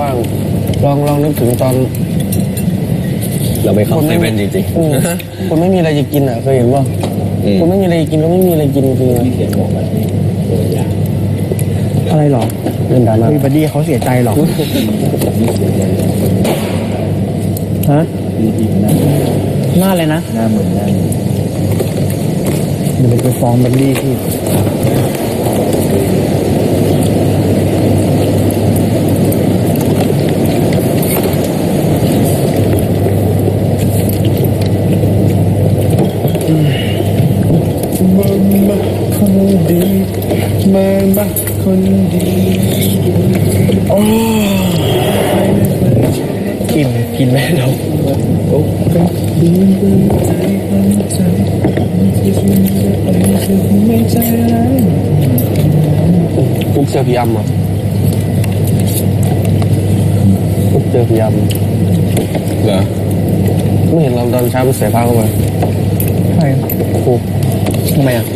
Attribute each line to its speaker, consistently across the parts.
Speaker 1: ลองนึกถึงตอน
Speaker 2: เราไปเข้าเซเว่นจริง
Speaker 1: ๆคนไม่มีอะไรจะกินอ่ะเคยเห็นป่ะคนไม่มีอะไรกินก็ไม่มีอะไรกินจริงๆอะไรหรอเล่นดราม่าบัดดี้เขาเสียใจหรอฮะหน้าอะไรนะหน้าเหมือนหน้าเดี๋ยวไปฟ้องบัดดี้พี่มาคนดีมาคนดีโอ้กินแม่เราปุ๊บเจอพี่ยำอ่ะปุ๊บเจอพี่ยำ
Speaker 2: เหรอ
Speaker 1: ไม่เห็นเราตอนเช้าไปเสียผ้าเข้ามาใช่ปุ๊บทำไมอ่ะ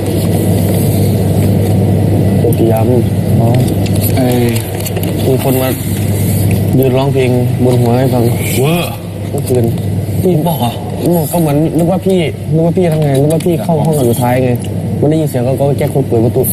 Speaker 1: เจอพี่ยำอ๋อมีคนมายืนร้องเพลงบนหัวให้ฟัง
Speaker 2: เวอร์
Speaker 1: เมื่อคืนพี่บอกอ่ะก็เหมือนนึกว่าพี่ทำไงนึกว่าพี่เข้าห้องสุดท้ายไงมันได้ยินเสียงก็แก้คนเปิดประตู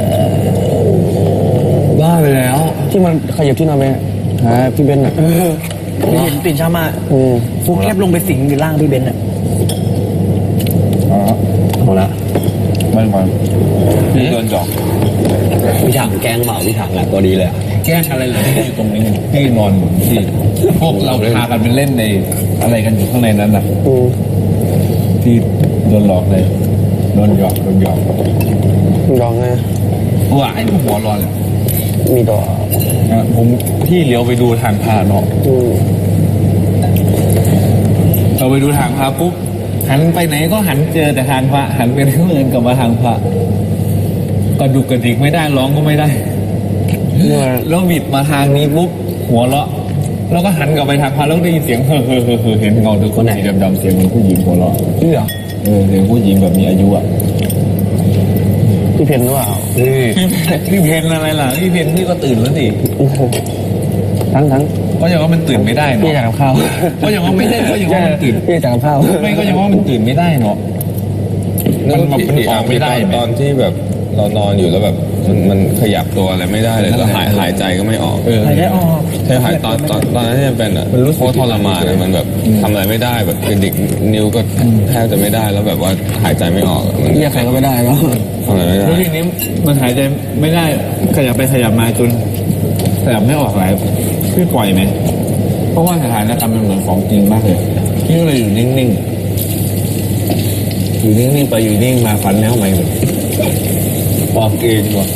Speaker 2: บ้าไปแล้ว
Speaker 1: ที่มันขยับที่นอนไปหาพี่เบนอ่ะ
Speaker 3: ไม่เห็นตื่นเช้ามาฟุกแคบลงไปสิงอยู่ล่างพี่เบนอ่ะ
Speaker 2: อ๋อเอาละมันก่อนพี่โดนจอกพี่ถังแกล้งเปล่าพี่ถังแหละตัวดีเลย
Speaker 4: แกล้งอะไรเลยที่อยู่ตรงนี้ที่นอนอยู่ที่พวกเราพากันไปเล่นในอะไรกันอยู่ข้างในนั้นนะที่โดนหลอกเลยโดนหยอก
Speaker 1: ร้องไง
Speaker 4: ว่าไอ้หัวร้อนเลย
Speaker 1: มีดอก
Speaker 4: ผมที่เลี้ยวไปดูทางพาเนาะเราไปดูทางพาปุ๊บหันไปไหนก็หันเจอแต่ทางพระหันไปทางอื่นกลับมาทางพระกระดุกกระดิกไม่ได้ร้องก็ไม่ได้แล้วบิดมาทางนี้ปุ๊บหัวเราะแล้วก็หันกลับไปทางพระแล้วได้ยินเสียงเฮ้อเห็นเงาตัวคนสีดำๆเสียงเหมือนผู้หญิงหัวเราะ
Speaker 1: นี่เหรอ
Speaker 4: เสียงผู้หญิงแบบมีอายุอ่ะ
Speaker 1: พี่เพนหรือเปล่า
Speaker 4: พี่เพนอะไรล่ะพี่เพนพี่ก็ตื่นแล้วสิ
Speaker 1: ทั้ง
Speaker 4: ก็ยังว่ามันตื่นไม่ได้เนาะ
Speaker 1: พี่จากข้าว
Speaker 4: ก็ยังว่าไม่ได้ก็ยังว่ามันตื่น
Speaker 1: พี่จากข้าว
Speaker 4: ไม่ก็ยังว่ามันตื่นไม่ได้เนาะ
Speaker 2: มันออกไม่ได้ตอนที่แบบเรานอนอยู่แล้วแบบมันขยับตัวอะไรไม่ได้เลยแล้วหายใจก็ไม่ออก
Speaker 3: หายใจออก
Speaker 2: ใช่หายตอนนั้นที่มันเป็นอ่ะมันรู้สึกทรมานมันแบบทำอะไรไม่ได้แบบกระดิกนิ้วก็แทบจะไม่ได้แล้วแบบว่าหายใจไม่ออก
Speaker 1: มันเรียกใครก็ไม่ได้แล้ว
Speaker 2: ทำอะไรไม่ได้
Speaker 4: แล้วทีนี้มันหายใจไม่ได้ขยับไปขยับมาจนขยับไม่ออกหลายพี่ปล่อยไหมเพราะว่าสถานการณ์มันเหมือนของจริงมากเลยพี่ก็เลยอยู่นิ่งๆอยู่นิ่งๆไปอยู่นิ่งมาฟันแล้วไหมออกเองว่ะ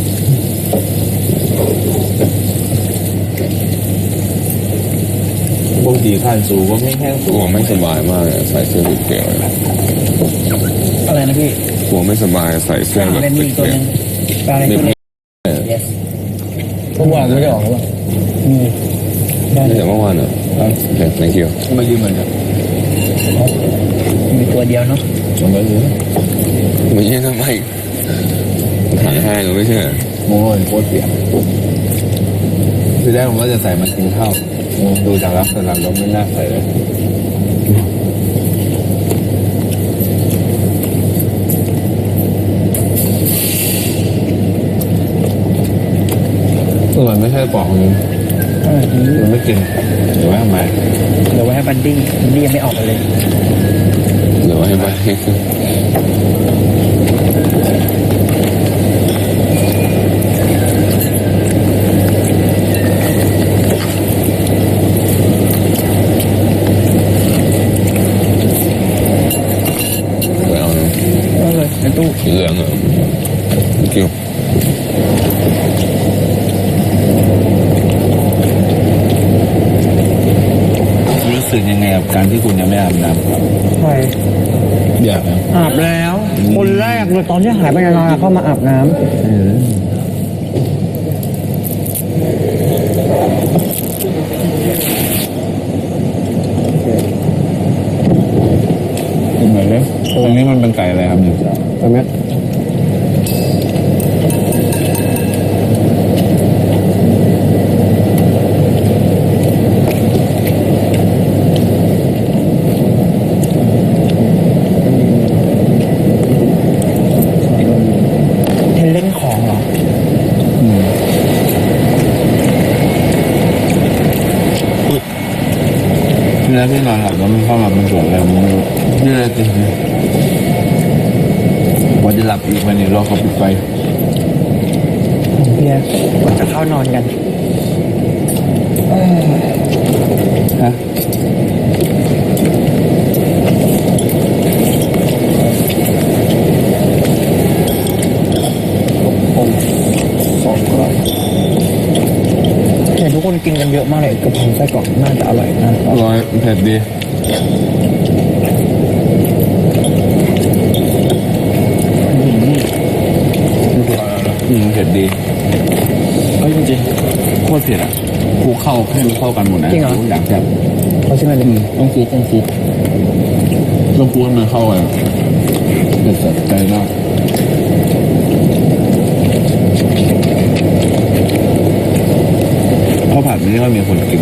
Speaker 4: พวกดีขั้นสูงก็ไม่แห้งสูง
Speaker 2: ไม่สบายมากใส่เสื้อเกี่ยว
Speaker 3: อะไรนะพี่
Speaker 2: หัวไม่สบายใส่เสื้อแบบ
Speaker 3: มีตัวนึงอะไรตัวนึง
Speaker 1: เมื่อวานไม่ได้ออกหรือเปล่า
Speaker 2: แต่เมื่อวานเหรอโอเค thank you
Speaker 4: มายืมเหมือนกัน
Speaker 3: มีตัวเดียวเนาะ
Speaker 4: มายืม
Speaker 2: ไม่ใช่ทำไมถ่ายให้หรือไม่ใช่
Speaker 4: โอ้ยโคตรเปียกทีแรกผมว่าจะใส่มากินข้าวดูจากลักษณะแล้วไม่น่าใส่เลยมันไม่ใช่ปอกนี้มันไม่กินเดี๋ยวไว้ทำไม
Speaker 3: เดี๋ยวไว้ให้บันดี้ยังไม่ออกมาเลย
Speaker 2: เดี๋ยวไว้ให้บันดี้
Speaker 3: ตู้
Speaker 2: เหลืองเหรอคิว
Speaker 4: รู้สึกยังไงกับการที่คุณยังไม่อาบน้ำครับ
Speaker 1: ใช่
Speaker 4: อยากนะ
Speaker 1: อาบแล้วคนแรกเลยตอนที่หายไปนานๆเข้ามาอาบน้ำ
Speaker 4: เหมือนเลยตรงนี้มันเป็นไก่อะไรครับเนี่ย
Speaker 1: ตรงนี้
Speaker 4: ลาพี่นอนหลับแล้วมันเข้ามามันเกิดอะไรมันนี่เลยจริงว่าจะหลับอีกวันนี้รอเขาปิดไฟ
Speaker 3: เบียร์ก่อนจะเข้านอนกัน
Speaker 4: ฮะ
Speaker 3: เห็นทุกคนกินกันเยอะมากเลยกระเพราไส้กรอกน่าจะอร่อยนะ
Speaker 4: อร่อยเผ็ดดีเผ็ดดีเอ้ยจริงๆโคตรเผ็ดอ่ะกูเข้าให้มันเข้ากันหมดนะกูอยากจะ
Speaker 3: เขาใช่ไหมเลย
Speaker 4: ต้องฟูต้องฟูให้มันเข้ากันเผ็ดสัดใจมากข้าวผัดไม่ค่อยมีคนกิน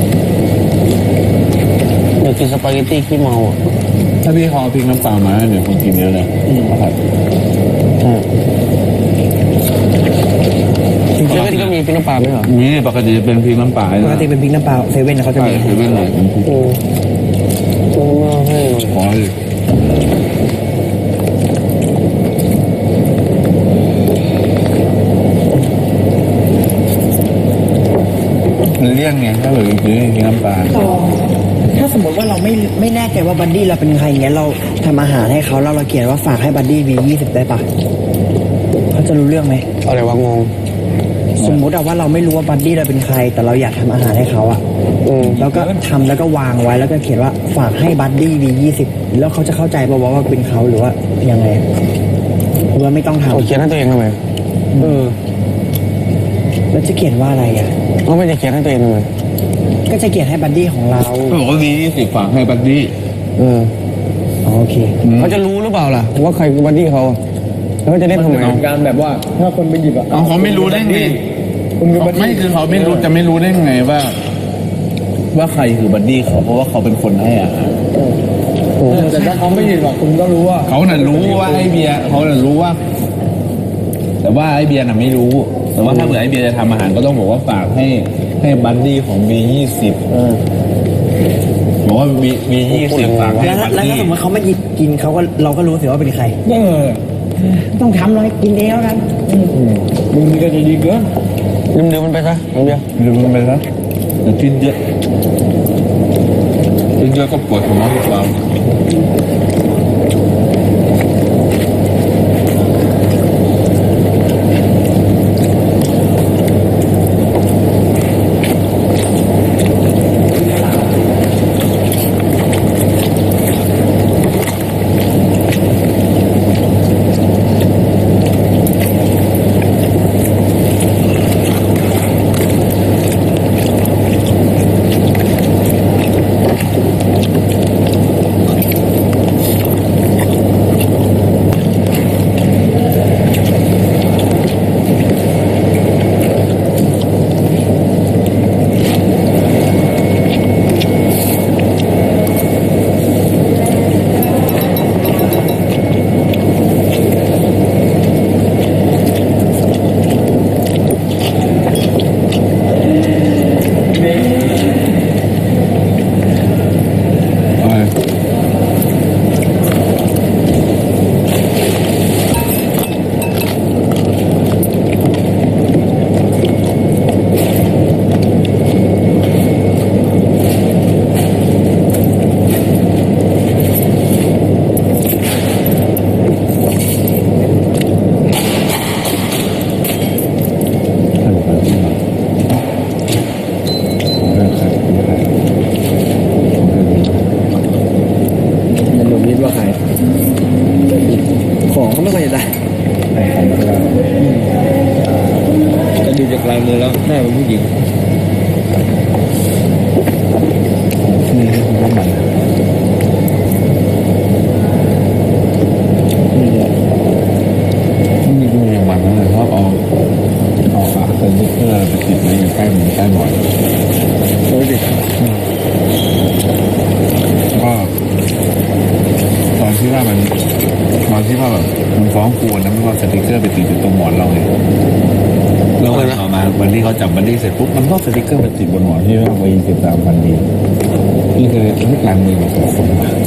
Speaker 1: อยากกินสปาเกตตี้ขี้เมาอ่ะ
Speaker 4: ถ้าพี่เขาเอาพริกน้ำปลามาเนี่ยคนกินเยอะเลยข้าวผัด
Speaker 1: เซเว่นก็มีพริกน้ำปลาไหมเหรอ
Speaker 4: มีปกติจะเป็นพริกน้ำปลา
Speaker 3: ปกติเป็นพริกน้ำปลาเซเว่นเขาจะ
Speaker 4: ใช่
Speaker 3: มี
Speaker 4: คือเป็นอะไรเป็นพริก
Speaker 1: ตัวมาให้หน่อย
Speaker 4: ขอเลยมันเลี่ยนไงถ้าแบบซื้อพริกน้ำปลา
Speaker 3: ถ้าสมมติว่าเราไม่แน่ใจว่าบัดดี้เราเป็นใครเงี้ยเราทำอาหารให้เขาแล้วเราเขียนว่าฝากให้บัดดี้มี20ได้ปะเขาจะรู้เรื่องไหม
Speaker 1: อะไรวะงง
Speaker 3: สมมติว่าเราไม่รู้ว่าบัดดี้เราเป็นใคร แต่เราอยากทำอาหารให้เขาอะแล้วก็ทำแล้วก็วางไว้แล้วก็เขียนว่าฝากให้บัดดี้มี20แล้วเขาจะเข้าใจป่าวว่าเป็นเขาหรือว่ายังไงหรือว่าไม่ต้องทำ
Speaker 1: เอาเขียนให้ตัวเองทำไม
Speaker 3: แล้วจะเขียนว่าอะไรอะ
Speaker 1: เอาไม่จะเขียนให้ตัวเองทำไม
Speaker 3: ก็จะเขียนให้บัดดี้ของเรา
Speaker 4: เขาบอกว่ามี20ฝากให้บัดดี้
Speaker 1: เออ
Speaker 3: อ๋อโอเค
Speaker 1: เขาจะรู้หรือเปล่าล่ะว่าใครคือบัดดี้เขาแล้วเขาจะเล่นทำไม
Speaker 5: การแบบว่าถ้าคนไปหยิบอ่ะ
Speaker 4: เอาเขาไม่รู้ได้ไง
Speaker 5: คุณคือบัดดี้
Speaker 4: ไม่คือเขาไม่รู้จะไม่รู้ได้ไงว่าใครคือบัดดี้เขาเพราะว่าเขาเป็นคนให้อาหาร
Speaker 5: แต่ถ้าเขาไม่หยิบอ่ะคุณก็รู้ว่า
Speaker 4: เขาน่ะรู้ว่าไอ้เบียร์เขาน่ะรู้ว่า แต่ว่าไอ้เบียร์น่ะไม่รู้ แต่ว่าถ้าเผื่อไอ้เบียร์จะทำอาหารก็ต้องบอกว่าฝากให้บัดดี้ของB20บอกว่าB20ฝากให้
Speaker 3: แล้ว
Speaker 4: บัด
Speaker 3: แล้ว
Speaker 4: ดี้
Speaker 3: ถ้าสมมติเขาไม่หยิบกินเขาก็เราก็รู้สิว่าเป็นใครต้องทำเลยกินเองแล้วกัน
Speaker 5: มึงนี่ก็จะดีเกิน
Speaker 1: ลืมมันไปซะน้องเบียร์
Speaker 4: ลืมมันไปซะอย่ากินเยอะกินเยอะก็ปวดหัวหรือเปล่า
Speaker 5: ลายมือแล้วน่าเป็นผู้หญิง
Speaker 4: นี่คือน้ำมันนี่ดูอย่างมันนะชอบเอาอะเซนเซอร์ไปติดไว้อยู่ใกล้หมูใกล้หมอน
Speaker 5: โอ้ยดิ
Speaker 4: ก็ตอนที่ว่าแบบมันฟ้องครูนะมันก็สติ๊กเกอร์ไปติดอยู่ตรงหมอนเราไงแล้ววันต่อมาวันที่เขาจับบันดี้เสร็จปุ๊บมันก็สติ๊กเกอร์ไปติดบนหมอนที่ว่าวัย13,000 ดีนี่คือลายมือของคนว่ะ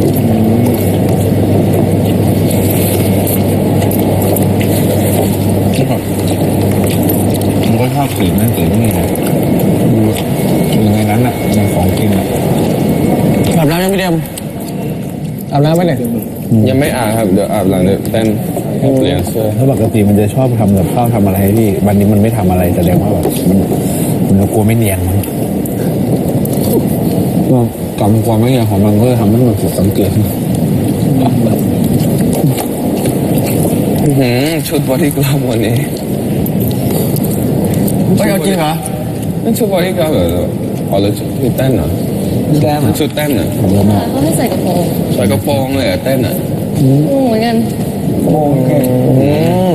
Speaker 4: ผมก็ชอบกลิ่นนั่นกลิ่นนี่นะอยู่ในนั้นอ่ะในของกินอ่ะ
Speaker 1: อาบน้ำยังไม่เดียมอาบน้ำไหมเนี่ย
Speaker 2: ยังไม่อาบครับเดี๋ยวอาบหลังเดี๋ยวเต้นเปลี่ยนเสื้อ
Speaker 4: ถ้าปกติมันจะชอบทำกับข้าวทำอะไรให้พี่วันนี้มันไม่ทำอะไรแสดงว่าแบบมันกลัวไม่เนียนมั้ง
Speaker 2: ก็กำความไม่เงียของมันก็จะทำให้มันผิดสังเกตชุดบอดี้กราฟวันนี้
Speaker 1: เฮ้ยเอาจริงเหรอ
Speaker 2: นั่นชุดบอดี้กราฟเหรออ๋อแล้วชุดเต้นเหรอ
Speaker 1: แก้มอ่ะ
Speaker 2: ชุดเต้นเหรอ
Speaker 6: เขาให้ใส่กระโปรง
Speaker 2: ใส่กระโปรงเลยเหรอเต้นอ่ะ
Speaker 6: เหมือนกัน
Speaker 1: โอเค